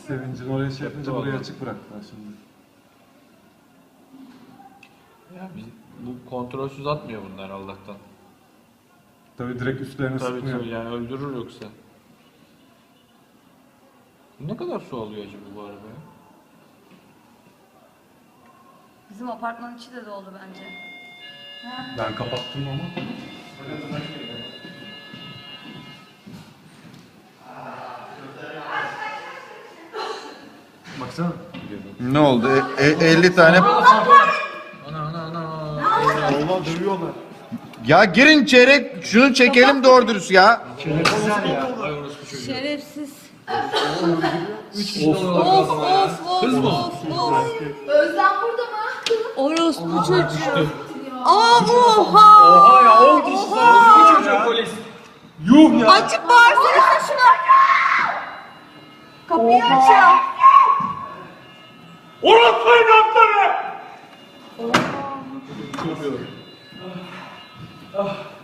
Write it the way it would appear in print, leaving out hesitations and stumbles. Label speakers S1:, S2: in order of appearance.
S1: Sevincin oraya şey yapınca burayı açık bıraktılar şimdi.
S2: Ya bu kontrolsüz atmıyor bunlar Allah'tan.
S1: Tabii direkt üstlerine
S2: Tabii
S1: sıkmıyor.
S2: tabii yani öldürür yoksa. Ne kadar su alıyor acaba bu arabaya?
S3: Bizim apartmanın içi de doldu bence.
S1: Ben kapattım ama. Baksana.
S4: Ne oldu? 50 tane.
S2: Ana.
S1: Allah dövüyorlar.
S4: Ya girin çeyrek şunu çekelim doğru dürüst ya.
S3: Şerefsiz.
S2: 3 kişi
S3: Of of of
S2: Kız mı?
S3: of of.
S5: Özlem burada mı?
S3: Orospu çocuğu. Oha!
S2: Oha ya 10 kişi sarıldı çocuğu polis.
S1: Yuh ya.
S3: Açıp bağırsana şuna. Kapıyı açıyor.
S1: Orası evlatları!
S2: Çok iyi.